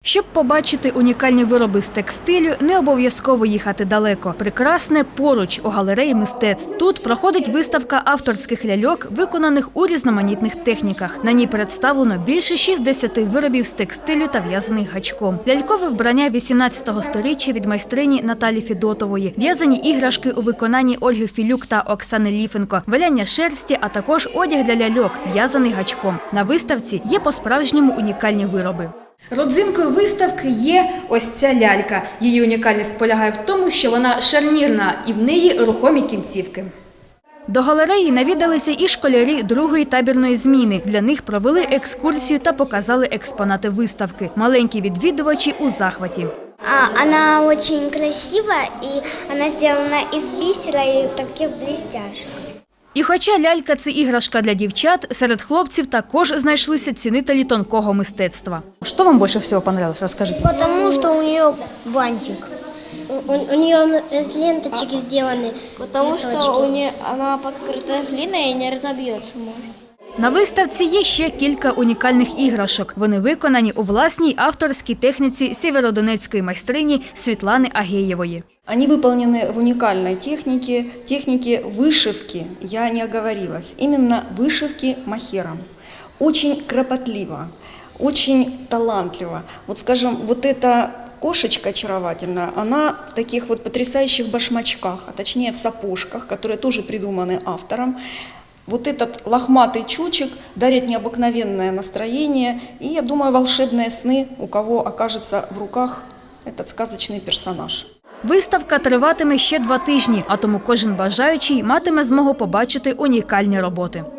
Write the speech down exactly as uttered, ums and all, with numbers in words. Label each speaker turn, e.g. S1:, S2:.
S1: Щоб побачити унікальні вироби з текстилю, не обов'язково їхати далеко. Прекрасне поруч у галереї мистецтв. Тут проходить виставка авторських ляльок, виконаних у різноманітних техніках. На ній представлено більше шістдесяти виробів з текстилю та в'язаних гачком. Лялькове вбрання вісімнадцятого сторіччя від майстрині Наталі Федотової, в'язані іграшки у виконанні Ольги Філюк та Оксани Ліфенко, валяння шерсті, а також одяг для ляльок, в'язаний гачком. На виставці є по-справжньому унікальні вироби. Родзинкою виставки є ось ця лялька. Її унікальність полягає в тому, що вона шарнірна і в неї рухомі кінцівки. До галереї навідалися і школярі другої табірної зміни. Для них провели екскурсію та показали експонати виставки. Маленькі відвідувачі у захваті.
S2: Вона дуже красива і вона зроблена із бісера і таких блістяшок.
S1: І хоча лялька – це іграшка для дівчат, серед хлопців також знайшлися цінителі тонкого мистецтва. Що вам більше всього подобалось? Розкажіть.
S2: Тому що у неї бантик.
S3: У, у нее из ленточек сделаны.
S2: Потому что у нее, она покрыта глиной и не разобьется.
S1: На виставці є ще кілька унікальних іграшок. Вони виконані у власній авторській техніці сєвєродонецької майстрині Світлани Агеєвої.
S4: Они выполнены в уникальной технике, технике вышивки, я не оговорилась, именно вышивки махером. Очень кропотливо, очень талантливо. Вот скажем, вот эта кошечка очаровательная, она в таких вот потрясающих башмачках, а точнее в сапожках, которые тоже придуманы автором. Вот этот лохматый чучек дарит необыкновенное настроение и, я думаю, волшебные сны, у кого окажется в руках этот сказочный персонаж.
S1: Виставка триватиме ще два тижні, а тому кожен бажаючий матиме змогу побачити унікальні роботи.